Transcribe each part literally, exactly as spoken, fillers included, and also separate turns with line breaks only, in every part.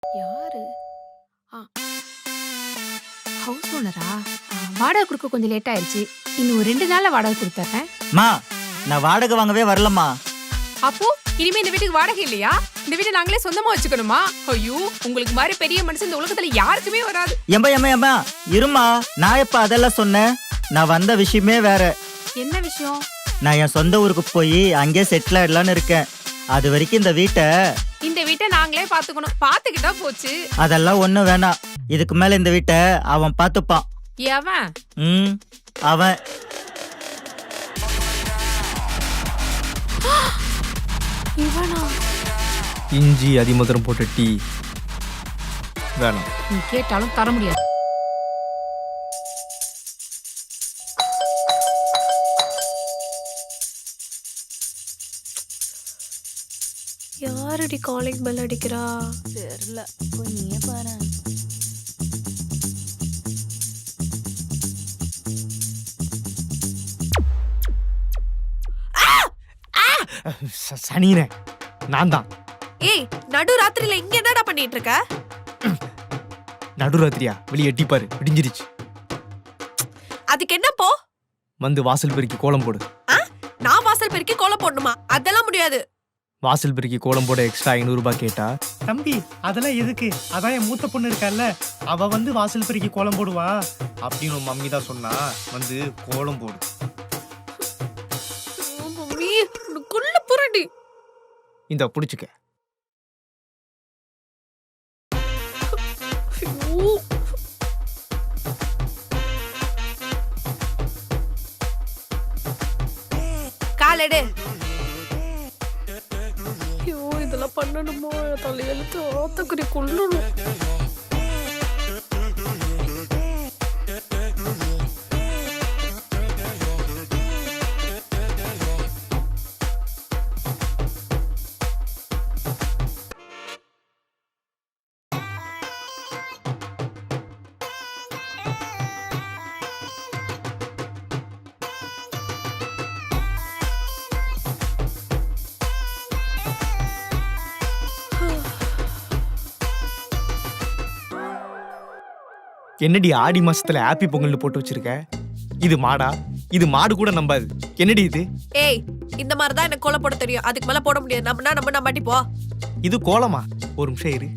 யாரு? ஆ ஹவுஸ் ஓனரா? வாடகை கொடுக்க கொஞ்சம் லேட் ஆயிடுச்சு. இன்னும் ஒரு ரெண்டு நாள்ல வாடகை கொடுத்துறேன்.
மா, நான் வாடகை வாங்கவே வரலம்மா.
அப்போ இனிமே இந்த வீட்டுக்கு வாடகை இல்லையா? இந்த வீட்டை நாங்களே சொந்தமா வச்சுக்கணுமா? ஐயோ, உங்களுக்கு மாதிரி பெரிய மனுஷன் இந்த உலகத்துல யாருக்குமே வராது.
எம்பா எம்மா எம்மா இருமா, நான் எப்ப அதெல்லாம் சொன்னேன்? நான் வந்த விஷயமே வேற.
என்ன விஷயம்?
நான் என் சொந்த ஊருக்கு போய் அங்கே செட்டில் ஆயிடலான்னு இருக்கேன். அது வரைக்கும் இந்த வீட்டை
இந்த வீட்டை நாங்களே பாத்துக்கணும். பாத்துக்கிட்டா போச்சு.
அதெல்லாம் ஒண்ணும் வேணாம். இதுக்கு மேல இந்த வீட்டை அவன் பாத்துப்பான்.
எவன்?
ம் அவன்.
இவனா?
இஞ்சி அதிமதுரம் போட்ட டீ வேணாம்.
நீ கேட்டாலும் தர முடியாது. யாரடி காலிங் பெல் அடிக்கிறா?
தெரியல, போய் நீயே பாரு.
சனினே, நான் தான்.
ஏய், நடு ராத்திரில இங்க என்னடா பண்ணிட்டு இருக்க?
நடுராத்திரியா? வெளியே எட்டிப்பாரு, விடிஞ்சிருச்சு.
அதுக்கு என்ன போ?
வந்து வாசல் பெருக்கி கோலம் போடு.
நான் வாசல் பெருக்கி கோலம் போடணுமா? அதெல்லாம் முடியாது.
வாசல் பெருக்கி கோலம் போட எக்ஸ்ட்ரா ஐநூறு ரூபாய் கேட்டா?
தம்பி, அதெல்லாம் எதுக்கு? அதான் என் மூத்த பொண்ணு இருக்கால, அவ வந்து வாசல் பெருக்கி கோலம் போடுவா
அப்படின்னு உன் மம்மி தான் சொன்னா. வந்து கோலம் போடு.
மம்மி, உனக்குள்ள புரடி.
இந்த புடிச்சுக்க.
காலெடு.
ஐயோ, இதெல்லாம் பண்ணணுமோ? தலையெழுத்து ஆத்தக்குறி கொள்ளணும்.
என்னடி ஆடி மாசத்துல ஹாப்பி பொங்கல்னு போட்டு வச்சிருக்க? இது மாடா? இது மாடு கூட நம்பாது. என்னடி இது?
ஏய், இந்த மாதிரி தான் எனக்கு கோலம் போட தெரியும். அதுக்கு மேல போட முடியாது. நம்மனா நம்ம நம்பாட்டி போ.
இது கோலமா? ஒரு நிமிஷம் இரு.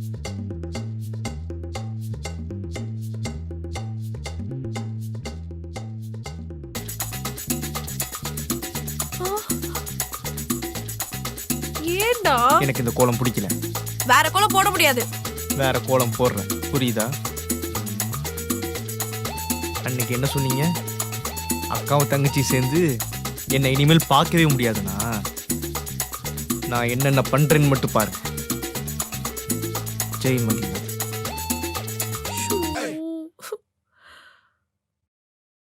ஏண்டா?
எனக்கு இந்த கோலம் பிடிக்கல.
வேற கோலம் போட முடியாது.
வேற கோலம் போடுறேன், புரியுதா? அன்னைக்கு என்ன சொன்னீங்க? அக்காவும் தங்கச்சி சேர்ந்து என்னை இனிமேல் பார்க்கவே முடியாதுண்ணா. நான் என்னென்ன பண்றேன்னு மட்டும் பாருங்க. ஜெய் மகி.